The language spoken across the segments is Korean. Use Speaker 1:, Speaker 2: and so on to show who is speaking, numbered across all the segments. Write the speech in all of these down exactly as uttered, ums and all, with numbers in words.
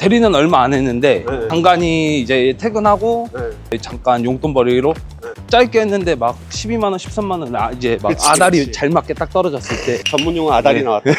Speaker 1: 대리는 얼마 안 했는데
Speaker 2: 네.
Speaker 1: 간간히 이제 퇴근하고
Speaker 2: 네.
Speaker 1: 잠깐 용돈벌이로
Speaker 2: 네.
Speaker 1: 짧게 했는데 막 십이만 원, 십삼만 원 아, 이제 막
Speaker 2: 그치,
Speaker 1: 아다리
Speaker 2: 그치.
Speaker 1: 잘 맞게 딱 떨어졌을 때
Speaker 2: 전문용어 아다리
Speaker 1: 네.
Speaker 2: 나왔다.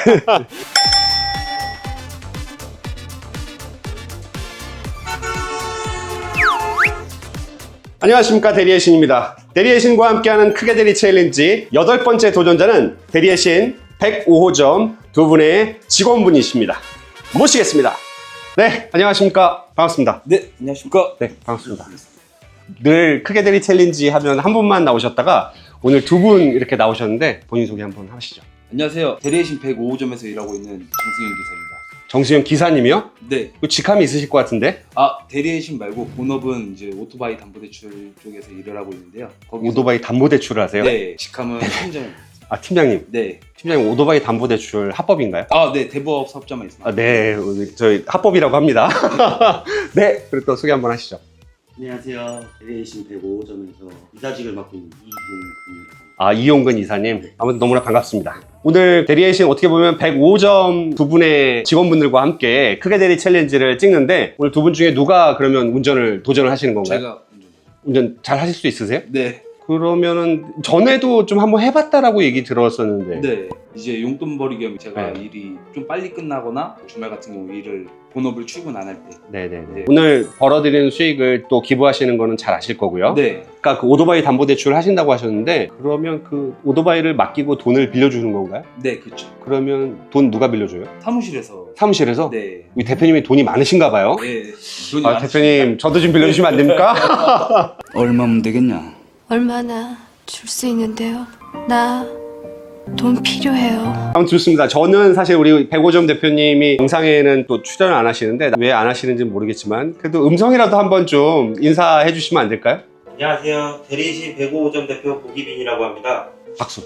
Speaker 2: 안녕하십니까, 대리의 신입니다. 대리의 신과 함께하는 크게 대리 챌린지 여덟 번째 도전자는 대리의 신 백오 호점 두 분의 직원분이십니다. 모시겠습니다. 네, 안녕하십니까. 반갑습니다.
Speaker 1: 네, 안녕하십니까.
Speaker 2: 네, 반갑습니다. 늘 크게 대리 챌린지 하면 한 분만 나오셨다가 오늘 두 분 이렇게 나오셨는데 본인 소개 한번 하시죠.
Speaker 1: 안녕하세요. 대리신 백오 호점에서 일하고 있는 정승현 기사입니다.
Speaker 2: 정수영 기사님이요?
Speaker 1: 네.
Speaker 2: 그 직함이 있으실 것 같은데?
Speaker 1: 아, 대리신 말고 본업은 이제 오토바이 담보대출 쪽에서 일을 하고 있는데요. 거기서
Speaker 2: 오토바이 담보대출을 하세요?
Speaker 1: 네, 직함은 팀장입니다.
Speaker 2: 아, 팀장님.
Speaker 1: 네.
Speaker 2: 팀장님, 오토바이 담보대출 합법인가요?
Speaker 1: 아, 네, 대부업 사업자만 있습니다.
Speaker 2: 아, 네. 우리 저희 합법이라고 합니다. 네. 그리고 또 소개 한번 하시죠.
Speaker 3: 안녕하세요. 대리신 백오 호점에서 이사직을 맡고 있는 이용근입니다.
Speaker 2: 아, 이용근 이사님. 아무튼 너무나 반갑습니다. 오늘 대리의 신 어떻게 보면 백오 점 두 분의 직원분들과 함께 크게 대리 챌린지를 찍는데 오늘 두 분 중에 누가 그러면 운전을 도전을 하시는 건가요?
Speaker 1: 제가 운전.
Speaker 2: 운전 잘 하실 수 있으세요?
Speaker 1: 네.
Speaker 2: 그러면은 전에도 좀 한번 해봤다라고 얘기 들었었는데.
Speaker 1: 네. 이제 용돈벌이 겸 제가
Speaker 2: 네.
Speaker 1: 일이 좀 빨리 끝나거나 주말 같은 경우 일을 본업을 출근 안 할 때.
Speaker 2: 네네네.
Speaker 1: 네.
Speaker 2: 오늘 벌어들이는 수익을 또 기부하시는 거는 잘 아실 거고요.
Speaker 1: 네.
Speaker 2: 아까 그 오토바이 담보대출을 하신다고 하셨는데 그러면 그 오토바이를 맡기고 돈을 빌려주는 건가요?
Speaker 1: 네, 그렇죠.
Speaker 2: 그러면 돈 누가 빌려줘요?
Speaker 1: 사무실에서.
Speaker 2: 사무실에서?
Speaker 1: 네.
Speaker 2: 우리 대표님이 돈이 많으신가 봐요.
Speaker 1: 네. 돈이
Speaker 2: 아,
Speaker 1: 많으시죠.
Speaker 2: 대표님 저도 좀 빌려주시면 안 됩니까?
Speaker 4: 얼마면 되겠냐?
Speaker 5: 얼마나 줄 수 있는데요? 나 돈 필요해요.
Speaker 2: 아무튼 좋습니다. 저는 사실 우리 백오 점 대표님이 영상에는 또 출연을 안 하시는데 왜 안 하시는지 모르겠지만 그래도 음성이라도 한번 좀 인사해 주시면 안 될까요?
Speaker 3: 안녕하세요. 대리신 백오 호점 대표 고기빈이라고 합니다.
Speaker 2: 박수.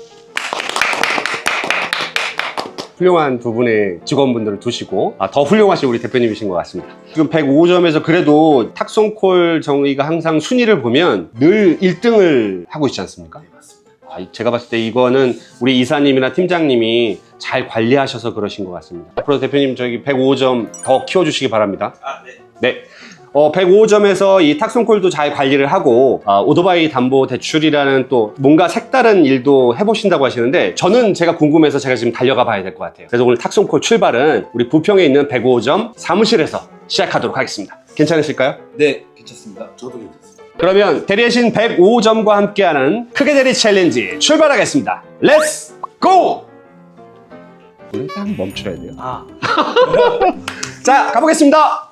Speaker 2: 훌륭한 두 분의 직원분들을 두시고 아, 더 훌륭하신 우리 대표님이신 것 같습니다. 지금 백오 점에서 그래도 탁송콜 저희가 항상 순위를 보면 늘 일 등을 하고 있지 않습니까?
Speaker 3: 네, 맞습니다.
Speaker 2: 아, 제가 봤을 때 이거는 우리 이사님이나 팀장님이 잘 관리하셔서 그러신 것 같습니다. 앞으로 대표님 저기 백오 점 더 키워주시기 바랍니다.
Speaker 3: 아, 네.
Speaker 2: 네. 어, 백오 점에서 이 탁송콜도 잘 관리를 하고 아, 오토바이 담보 대출이라는 또 뭔가 색다른 일도 해보신다고 하시는데 저는 제가 궁금해서 제가 지금 달려가 봐야 될 것 같아요. 그래서 오늘 탁송콜 출발은 우리 부평에 있는 백오 점 사무실에서 시작하도록 하겠습니다. 괜찮으실까요?
Speaker 1: 네, 괜찮습니다.
Speaker 3: 저도 괜찮습니다.
Speaker 2: 그러면 대리의 신 백오 점과 함께하는 크게 대리 챌린지 출발하겠습니다. 렛츠 고! 우리 딱 멈춰야 돼요.
Speaker 3: 아,
Speaker 2: 자, 가보겠습니다.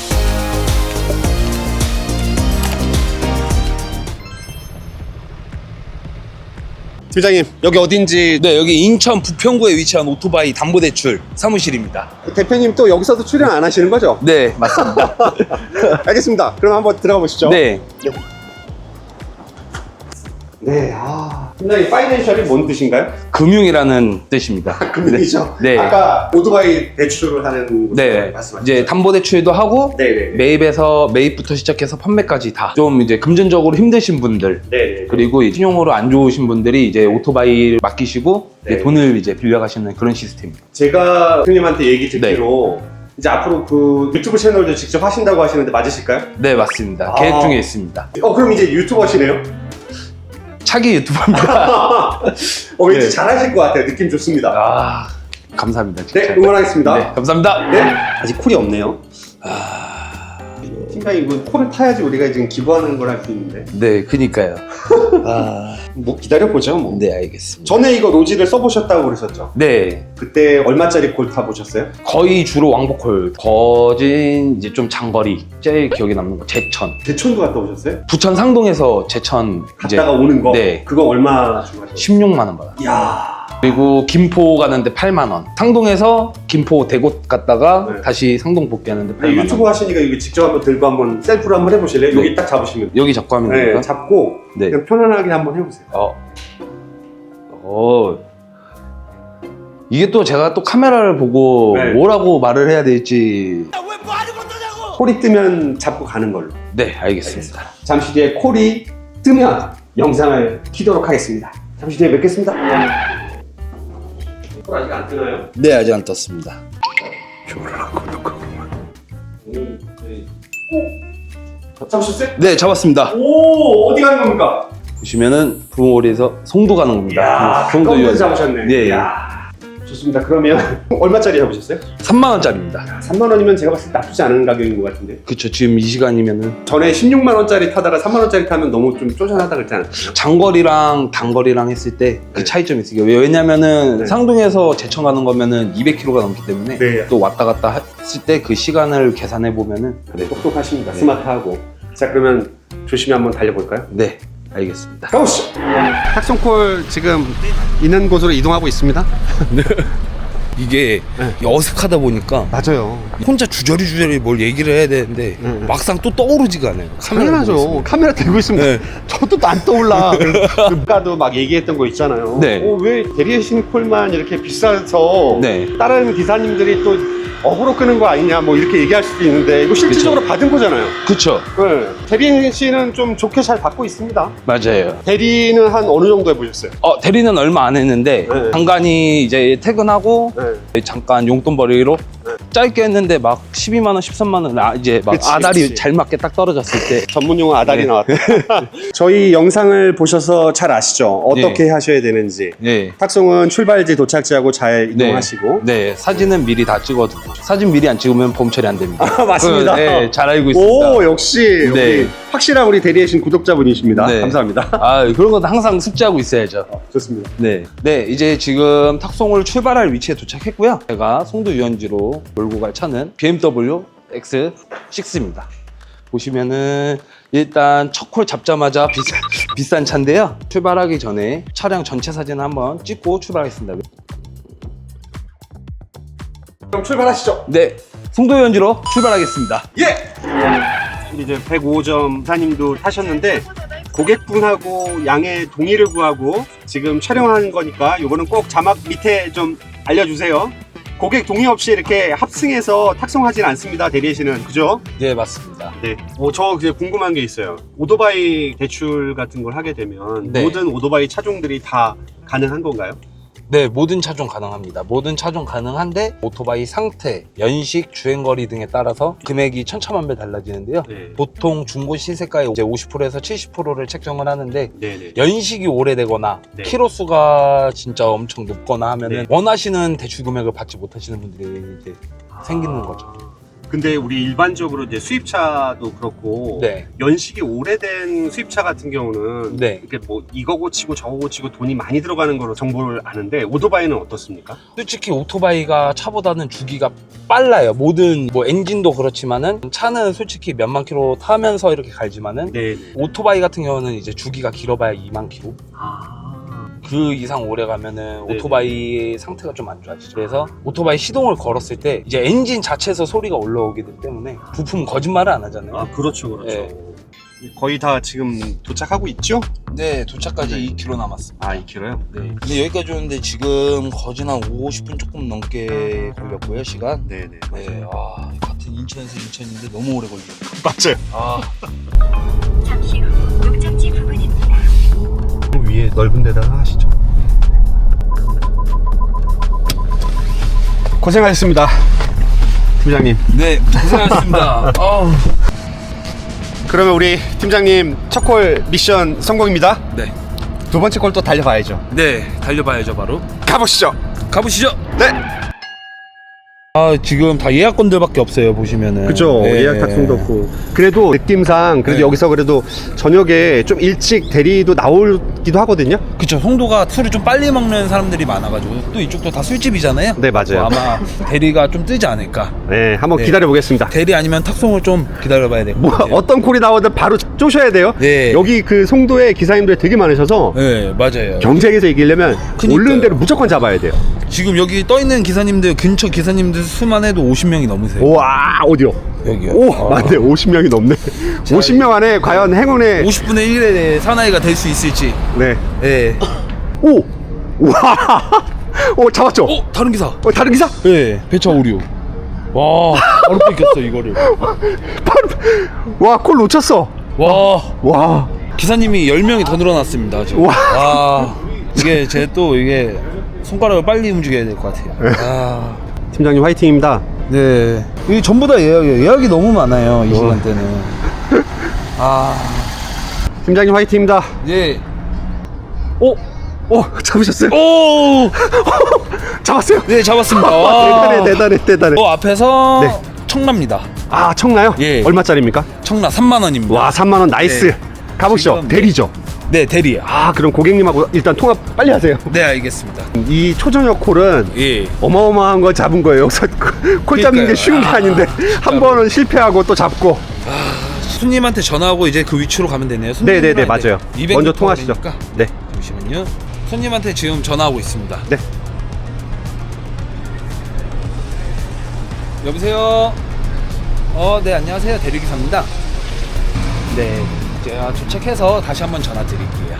Speaker 2: 팀장님, 여기 어딘지
Speaker 1: 네, 여기 인천 부평구에 위치한 오토바이 담보대출 사무실입니다.
Speaker 2: 대표님 또 여기서도 출연 안 하시는 거죠?
Speaker 1: 네, 맞습니다.
Speaker 2: 알겠습니다. 그럼 한번 들어가 보시죠.
Speaker 1: 네.
Speaker 2: 네, 아. 팀장님, 파이낸셜이 뭔 뜻인가요?
Speaker 1: 금융이라는 뜻입니다.
Speaker 2: 금융이죠?
Speaker 1: 네.
Speaker 2: 아까 오토바이 대출을 하는
Speaker 1: 네.
Speaker 2: 말씀하셨죠?
Speaker 1: 이제 담보대출도 하고
Speaker 2: 네네.
Speaker 1: 매입에서 매입부터 시작해서 판매까지 다 좀 이제 금전적으로 힘드신 분들
Speaker 2: 네네.
Speaker 1: 그리고 이 신용으로 안 좋으신 분들이 이제 오토바이를 맡기시고
Speaker 2: 네.
Speaker 1: 이제 돈을 이제 빌려가시는 그런 시스템입니다.
Speaker 2: 제가 대표님한테 얘기 듣기로
Speaker 1: 네.
Speaker 2: 이제 앞으로 그 유튜브 채널도 직접 하신다고 하시는데 맞으실까요?
Speaker 1: 네, 맞습니다.
Speaker 2: 아.
Speaker 1: 계획 중에 있습니다.
Speaker 2: 어, 그럼 이제 유튜버시네요?
Speaker 1: 차기 유튜버입니다.
Speaker 2: 어, 왠지
Speaker 1: 네.
Speaker 2: 잘하실 것 같아요. 느낌 좋습니다.
Speaker 1: 아, 감사합니다. 진짜.
Speaker 2: 네, 응원하겠습니다.
Speaker 1: 네, 감사합니다.
Speaker 2: 네. 아직 콜이 없네요. 팀장님, 이거 콜을 타야지 우리가 지금 기부하는 걸 할 수 있는데.
Speaker 1: 네, 그니까요. 아,
Speaker 2: 뭐 기다려보죠, 뭐.
Speaker 1: 네, 알겠습니다.
Speaker 2: 전에 이거 로지를 써보셨다고 그러셨죠?
Speaker 1: 네,
Speaker 2: 그때 얼마짜리 콜 타보셨어요?
Speaker 1: 거의 주로 왕복콜. 거진 이제 좀 장거리. 제일 기억에 남는 거 제천.
Speaker 2: 대천도 갔다 오셨어요?
Speaker 1: 부천 상동에서 제천 이제
Speaker 2: 갔다가 오는 거?
Speaker 1: 네.
Speaker 2: 그거 얼마 주고 하셨어요?
Speaker 1: 십육만 원 받았어요.
Speaker 2: 이야.
Speaker 1: 그리고 김포 가는데 팔만 원. 상동에서 김포 대곳 갔다가
Speaker 2: 네.
Speaker 1: 다시 상동 복귀하는데 팔만 원.
Speaker 2: 유튜브 하시니까 이거 직접 한번 들고 한번 셀프로 한번 해보실래요?
Speaker 1: 네.
Speaker 2: 여기 딱 잡으시면.
Speaker 1: 여기 잡고 하면
Speaker 2: 네,
Speaker 1: 됩니까?
Speaker 2: 잡고
Speaker 1: 네.
Speaker 2: 그냥 편안하게 한번 해보세요.
Speaker 1: 어. 어. 이게 또 제가 또 카메라를 보고
Speaker 2: 네.
Speaker 1: 뭐라고 말을 해야 될지.
Speaker 2: 콜이 뜨면 잡고 가는 걸로.
Speaker 1: 네, 알겠습니다.
Speaker 2: 잠시 뒤에 콜이 뜨면 영상을 키도록 하겠습니다. 잠시 뒤에 뵙겠습니다. 콜 아직 안 뜨나요?
Speaker 1: 네, 아직 안 떴습니다.
Speaker 2: 좋아라 구독하고만. 잡으셨어요?
Speaker 1: 네, 잡았습니다.
Speaker 2: 오, 어디 가는 겁니까?
Speaker 1: 보시면은 부모리에서 송도 가는 겁니다.
Speaker 2: 야,
Speaker 1: 송도
Speaker 2: 가까운
Speaker 1: 유원.
Speaker 2: 데서 잡으셨네.
Speaker 1: 네,
Speaker 2: 이야, 좋습니다. 그러면 얼마짜리 잡으셨어요?
Speaker 1: 삼만 원짜리입니다.
Speaker 2: 삼만 원이면 제가 봤을 때 나쁘지 않은 가격인 것 같은데.
Speaker 1: 그쵸, 지금 이 시간이면은
Speaker 2: 전에 십육만 원짜리 타다가 삼만 원짜리 타면 너무 좀 쪼잔하다 그랬지 않았어요?
Speaker 1: 장거리랑 단거리랑 했을 때 그
Speaker 2: 네.
Speaker 1: 차이점이 있어요. 왜냐면은
Speaker 2: 네.
Speaker 1: 상동에서 제천 가는 거면은 이백 킬로미터가 넘기 때문에
Speaker 2: 네.
Speaker 1: 또 왔다 갔다 했을 때 그 시간을 계산해 보면은
Speaker 2: 네, 똑똑하십니다.
Speaker 1: 네.
Speaker 2: 스마트하고. 자, 그러면 조심히 한번 달려볼까요?
Speaker 1: 네, 알겠습니다.
Speaker 2: 가보시죠. 탁송콜 지금 있는 곳으로 이동하고 있습니다.
Speaker 1: 이게
Speaker 2: 네.
Speaker 1: 어색하다 보니까
Speaker 2: 맞아요.
Speaker 1: 혼자 주저리 주저리 뭘 얘기를 해야 되는데
Speaker 2: 네.
Speaker 1: 막상 또 떠오르지가 않아요. 카메라 보고
Speaker 2: 당연하죠.
Speaker 1: 있으면.
Speaker 2: 카메라 들고 있으면
Speaker 1: 네.
Speaker 2: 저도 안 떠올라. 아까도 막 얘기했던 거 있잖아요.
Speaker 1: 네.
Speaker 2: 어, 왜 대리해신 콜만 이렇게 비싸서
Speaker 1: 네.
Speaker 2: 다른 기사님들이 또 어그로 끄는 거 아니냐 뭐 이렇게 얘기할 수도 있는데 이거 실질적으로 받은 거잖아요.
Speaker 1: 그쵸,
Speaker 2: 네. 대리해신은 좀 좋게 잘 받고 있습니다.
Speaker 1: 맞아요.
Speaker 2: 대리는 한 어느 정도 해보셨어요?
Speaker 1: 어, 대리는 얼마 안 했는데
Speaker 2: 네.
Speaker 1: 간간히 이제 퇴근하고
Speaker 2: 네.
Speaker 1: 잠깐 용돈 벌이로
Speaker 2: 네.
Speaker 1: 짧게 했는데 막 십이만 원, 십삼만 원 아, 이제 막
Speaker 2: 그치,
Speaker 1: 아다리
Speaker 2: 그치.
Speaker 1: 잘 맞게 딱 떨어졌을 때
Speaker 2: 전문용어 아다리
Speaker 1: 네.
Speaker 2: 나왔다. 저희 영상을 보셔서 잘 아시죠? 어떻게 하셔야 되는지.
Speaker 1: 네.
Speaker 2: 탁송은 출발지 도착지하고 잘 이동하시고.
Speaker 1: 네, 사진은 미리 다 찍어두고 사진 미리 안 찍으면 보험 처리 안 됩니다.
Speaker 2: 아, 맞습니다.
Speaker 1: 그, 네, 잘 알고 있습니다.
Speaker 2: 오, 역시
Speaker 1: 네.
Speaker 2: 우리 확실한 우리 대리해신 구독자분이십니다.
Speaker 1: 네.
Speaker 2: 감사합니다.
Speaker 1: 아, 그런 건 항상 숙지하고 있어야죠.
Speaker 2: 좋습니다.
Speaker 1: 네. 네, 이제 지금 탁송을 출발할 위치에 도착했고요. 제가 송도 유원지로 몰고 갈 차는 비엠더블유 엑스 식스입니다. 보시면은 일단 첫 콜 잡자마자 비싸, 비싼 차인데요. 출발하기 전에 차량 전체 사진을 한번 찍고 출발하겠습니다.
Speaker 2: 그럼 출발하시죠.
Speaker 1: 네, 송도 유원지로 출발하겠습니다.
Speaker 2: 예! 이제 백오 점 사님도 타셨는데 고객분하고 양해 동의를 구하고 지금 촬영하는 거니까 이거는 꼭 자막 밑에 좀 알려주세요. 고객 동의 없이 이렇게 합승해서 탁송하진 않습니다. 대리해신은. 그죠?
Speaker 1: 네, 맞습니다.
Speaker 2: 네. 어, 저 이제 궁금한 게 있어요. 오토바이 대출 같은 걸 하게 되면
Speaker 1: 네.
Speaker 2: 모든 오토바이 차종들이 다 가능한 건가요?
Speaker 1: 네, 모든 차종 가능합니다. 모든 차종 가능한데 오토바이 상태, 연식, 주행거리 등에 따라서 금액이 천차만별 달라지는데요.
Speaker 2: 네.
Speaker 1: 보통 중고 시세가의 이제 오십 퍼센트에서 칠십 퍼센트를 책정을 하는데
Speaker 2: 네네.
Speaker 1: 연식이 오래되거나
Speaker 2: 네.
Speaker 1: 키로수가 진짜 엄청 높거나 하면은
Speaker 2: 네.
Speaker 1: 원하시는 대출 금액을 받지 못하시는 분들이 이제 생기는 거죠.
Speaker 2: 근데 우리 일반적으로 이제 수입차도 그렇고
Speaker 1: 네.
Speaker 2: 연식이 오래된 수입차 같은 경우는
Speaker 1: 네.
Speaker 2: 이렇게 뭐 이거 고치고 저거 고치고 돈이 많이 들어가는 거로 정보를 아는데 오토바이는 어떻습니까?
Speaker 1: 솔직히 오토바이가 차보다는 주기가 빨라요. 모든 뭐 엔진도 그렇지만은 차는 솔직히 몇만 킬로 타면서 이렇게 갈지만은
Speaker 2: 네.
Speaker 1: 오토바이 같은 경우는 이제 주기가 길어봐야 이만 킬로.
Speaker 2: 아.
Speaker 1: 그 이상 오래 가면은
Speaker 2: 네네.
Speaker 1: 오토바이의 상태가 좀 안 좋아지죠. 그래서 오토바이 시동을 걸었을 때 이제 엔진 자체에서 소리가 올라오기 때문에 부품 거짓말을 안 하잖아요.
Speaker 2: 아, 그렇죠, 그렇죠.
Speaker 1: 네.
Speaker 2: 거의 다 지금 도착하고 있죠?
Speaker 1: 네, 도착까지
Speaker 2: 네.
Speaker 1: 이 킬로미터 남았습니다.
Speaker 2: 아, 이 킬로요?
Speaker 1: 네. 근데 여기까지 오는데 지금 거진 한 오십 분 조금 넘게 걸렸고요, 시간.
Speaker 2: 네네.
Speaker 1: 네, 아, 같은 인천에서 인천인데 너무 오래 걸려요.
Speaker 2: 맞아요.
Speaker 1: 아,
Speaker 4: 잠시 후 목적지 부근입니다.
Speaker 2: 위에 넓은 데다가 하시죠. 고생하셨습니다, 팀장님.
Speaker 1: 네, 고생하셨습니다. 아우.
Speaker 2: 그러면 우리 팀장님 첫 콜 미션 성공입니다.
Speaker 1: 네,
Speaker 2: 두 번째 콜 또 달려봐야죠.
Speaker 1: 네, 달려봐야죠, 바로.
Speaker 2: 가보시죠.
Speaker 1: 가보시죠.
Speaker 2: 네.
Speaker 1: 아, 지금 다 예약건들밖에 없어요, 보시면은.
Speaker 2: 그죠.
Speaker 1: 네.
Speaker 2: 예약 탁송도 없고. 그래도 느낌상 그래도
Speaker 1: 네.
Speaker 2: 여기서 그래도 저녁에 좀 일찍 대리도 나오기도 하거든요.
Speaker 1: 그쵸, 송도가 술을 좀 빨리 먹는 사람들이 많아가지고 또 이쪽도 다 술집이잖아요.
Speaker 2: 네, 맞아요.
Speaker 1: 어, 아마 대리가 좀 뜨지 않을까.
Speaker 2: 네, 한번
Speaker 1: 네.
Speaker 2: 기다려 보겠습니다.
Speaker 1: 대리 아니면 탁송을 좀 기다려봐야 될 것
Speaker 2: 뭐
Speaker 1: 같아요.
Speaker 2: 어떤 콜이 나오든 바로 쪼셔야 돼요.
Speaker 1: 네.
Speaker 2: 여기 그 송도에 기사님들이 되게 많으셔서
Speaker 1: 네, 맞아요.
Speaker 2: 경쟁에서 이기려면
Speaker 1: 그니까요.
Speaker 2: 오르는 대로 무조건 잡아야 돼요.
Speaker 1: 지금 여기 떠있는 기사님들, 근처 기사님들 수만 해도 오십 명이 넘으세요.
Speaker 2: 와, 어디요?
Speaker 1: 여기요.
Speaker 2: 오,
Speaker 1: 아.
Speaker 2: 맞네. 오십 명이 넘네. 오십 명 안에 과연 행운의
Speaker 1: 오십 분의 일의 사나이가 될 수 있을지.
Speaker 2: 네.
Speaker 1: 네.
Speaker 2: 오! 와! 오, 잡았죠?
Speaker 1: 어, 다른 기사.
Speaker 2: 어, 다른 기사?
Speaker 1: 네, 배차 오류. 와, 바로 뺏겼어, 이거를.
Speaker 2: 와, 콜 놓쳤어.
Speaker 1: 와,
Speaker 2: 와.
Speaker 1: 기사님이 열 명이 더 늘어났습니다, 지금.
Speaker 2: 와.
Speaker 1: 와, 이게 제 또 이게 손가락을 빨리 움직여야 될 것 같아요. 아,
Speaker 2: 팀장님 화이팅입니다.
Speaker 1: 네. 이 전부 다 예약이에요. 예약이 너무 많아요. 이 시간대는. 아.
Speaker 2: 팀장님 화이팅입니다.
Speaker 1: 예.
Speaker 2: 오, 오, 잡으셨어요?
Speaker 1: 오!
Speaker 2: 잡았어요.
Speaker 1: 네, 잡았습니다. 와.
Speaker 2: 대단해, 대단해, 대단해.
Speaker 1: 어, 앞에서
Speaker 2: 네.
Speaker 1: 청라입니다.
Speaker 2: 아, 청나요?
Speaker 1: 예.
Speaker 2: 얼마짜리입니까?
Speaker 1: 청라 삼만 원입니다.
Speaker 2: 와, 삼만 원 나이스.
Speaker 1: 네.
Speaker 2: 가보시죠.
Speaker 1: 지금,
Speaker 2: 대리죠.
Speaker 1: 네, 대리요.
Speaker 2: 아, 그럼 고객님하고 일단 통화 빨리 하세요.
Speaker 1: 네, 알겠습니다.
Speaker 2: 이 초저녁 콜은
Speaker 1: 예.
Speaker 2: 어마어마한 거 잡은 거예요. 여기서 콜 잡는 게
Speaker 1: 그러니까요.
Speaker 2: 쉬운 게
Speaker 1: 아,
Speaker 2: 아닌데 한 번은 실패하고 또 잡고.
Speaker 1: 손님한테 전화하고 이제 그 위치로 가면 되네요.
Speaker 2: 네네네, 맞아요. 먼저 통화하시죠.
Speaker 1: 거리니까.
Speaker 2: 네.
Speaker 1: 잠시만요. 손님한테 지금 전화하고 있습니다.
Speaker 2: 네.
Speaker 1: 여보세요. 어, 네, 안녕하세요. 대리기사입니다. 네, 제가 도착해서 다시 한번 전화 드릴게요.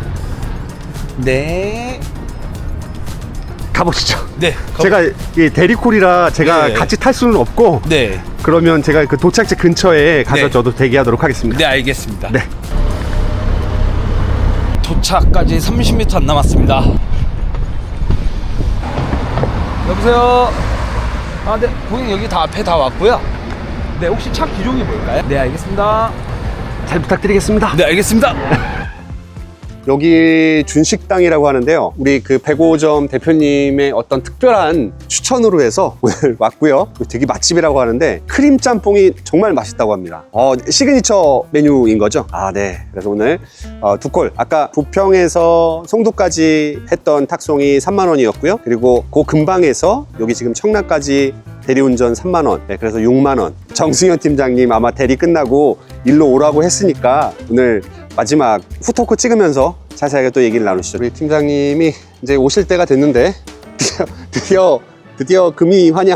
Speaker 1: 네.
Speaker 2: 가보시죠.
Speaker 1: 네. 거-
Speaker 2: 제가 이 대리콜이라 제가
Speaker 1: 네.
Speaker 2: 같이 탈 수는 없고
Speaker 1: 네.
Speaker 2: 그러면 제가 그 도착지 근처에 가서
Speaker 1: 네.
Speaker 2: 저도 대기하도록 하겠습니다.
Speaker 1: 네, 알겠습니다.
Speaker 2: 네.
Speaker 1: 도착까지 삼십 미터 안 남았습니다. 여보세요. 아, 네, 고객님 여기 다 앞에 다 왔고요. 네, 혹시 차 기종이 뭘까요? 네, 알겠습니다.
Speaker 2: 잘 부탁드리겠습니다.
Speaker 1: 네, 알겠습니다.
Speaker 2: 여기 준식당이라고 하는데요. 우리 그 백오 점 대표님의 어떤 특별한 추천으로 해서 오늘 왔고요. 되게 맛집이라고 하는데 크림 짬뽕이 정말 맛있다고 합니다. 어, 시그니처 메뉴인 거죠? 아, 네. 그래서 오늘 어, 두 콜. 아까 부평에서 송도까지 했던 탁송이 삼만 원이었고요. 그리고 그 근방에서 여기 지금 청라까지 대리운전 삼만 원. 네, 그래서 육만 원. 정승현 팀장님 아마 대리 끝나고 일로 오라고 했으니까 오늘 마지막 후토크 찍으면서 자세하게 또 얘기를 나누시죠. 우리 팀장님이 이제 오실 때가 됐는데 드디어 드디어, 드디어 금이 환영.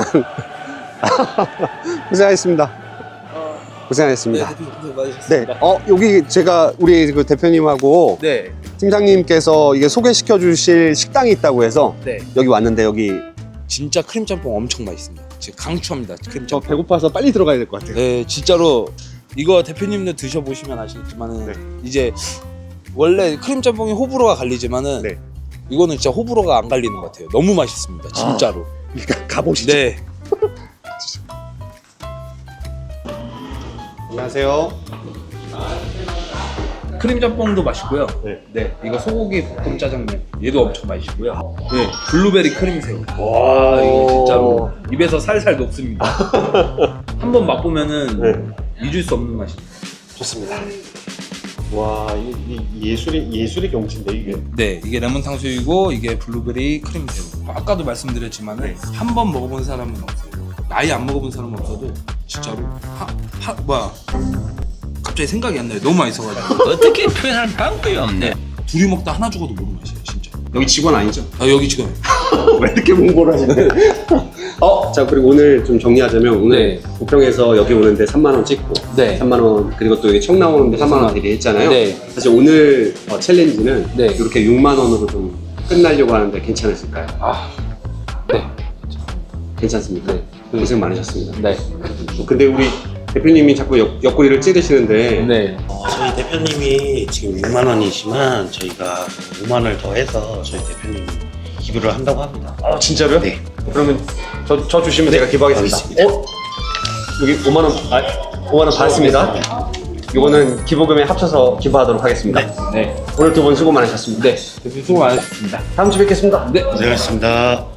Speaker 2: 고생하셨습니다. 고생하셨습니다. 네, 어 여기 제가 우리 그 대표님하고
Speaker 1: 네.
Speaker 2: 팀장님께서 이게 소개시켜 주실 식당이 있다고 해서
Speaker 1: 네.
Speaker 2: 여기 왔는데 여기
Speaker 1: 진짜 크림 짬뽕 엄청 맛있습니다. 제가 강추합니다. 크림
Speaker 2: 저
Speaker 1: 짬뽕.
Speaker 2: 배고파서 빨리 들어가야 될 것 같아요.
Speaker 1: 네, 진짜로 이거 대표님도 드셔보시면 아시겠지만은
Speaker 2: 네.
Speaker 1: 이제 원래 크림 짬뽕이 호불호가 갈리지만은
Speaker 2: 네.
Speaker 1: 이거는 진짜 호불호가 안 갈리는 것 같아요. 너무 맛있습니다. 진짜로.
Speaker 2: 그러니까 가보시죠.
Speaker 1: 네.
Speaker 2: 안녕하세요.
Speaker 1: 크림 짬뽕도 맛있고요.
Speaker 2: 네.
Speaker 1: 네, 이거 소고기 볶음 짜장면 얘도 엄청 맛있고요. 네, 블루베리 크림새우. 와, 이거 진짜로 입에서 살살 녹습니다. 한번 맛보면은
Speaker 2: 네.
Speaker 1: 잊을 수 없는 맛입니다.
Speaker 2: 좋습니다. 와, 이, 이 예술이 예술의 경치인데 이게.
Speaker 1: 네, 이게 레몬 탕수육이고 이게 블루베리 크림새우. 아까도 말씀드렸지만은 한 번 먹어본 사람은 없어요. 아예 안 먹어본 사람은 없어도 진짜로 하, 하 뭐야 갑자기 생각이 안 나요. 너무 맛있어가지고.
Speaker 6: 어떻게 표현할 방법이 없네.
Speaker 1: 둘이 먹다 하나 죽어도 모르는 맛이에요, 진짜.
Speaker 2: 여기 직원 아니죠?
Speaker 1: 아, 여기 지금.
Speaker 2: 왜 이렇게 홍보를 하시네? 어, 자 그리고 오늘 좀 정리하자면 오늘
Speaker 1: 네.
Speaker 2: 부평에서 여기 오는데 삼만 원 찍고
Speaker 1: 네.
Speaker 2: 삼만 원 그리고 또 여기 청라 오는데 삼만 원 대리 했잖아요.
Speaker 1: 네.
Speaker 2: 사실 오늘 어, 챌린지는
Speaker 1: 네.
Speaker 2: 이렇게 육만 원으로 좀 끝나려고 하는데 괜찮으실까요?
Speaker 1: 아, 네.
Speaker 2: 괜찮습니까?
Speaker 1: 네.
Speaker 2: 고생 많으셨습니다.
Speaker 1: 네.
Speaker 2: 근데 우리 대표님이 자꾸 옆, 옆구리를 찌르시는데
Speaker 1: 네.
Speaker 3: 어, 저희 대표님이 지금 육만 원이지만 저희가 오만 원을 더해서 저희 대표님 기부를 한다고 합니다.
Speaker 2: 아 진짜로요?
Speaker 3: 네.
Speaker 2: 그러면 저, 저 주시면 제가 기부하겠습니다.
Speaker 3: 알겠습니다.
Speaker 2: 어? 여기 오만 원, 아, 오만 원 받았습니다. 이거는 기부금에 합쳐서 기부하도록 하겠습니다.
Speaker 1: 네.
Speaker 2: 오늘 두 분 수고 많으셨습니다.
Speaker 1: 네. 대표 수고 많으셨습니다.
Speaker 2: 다음 주에 뵙겠습니다.
Speaker 1: 네.
Speaker 3: 고생하셨습니다.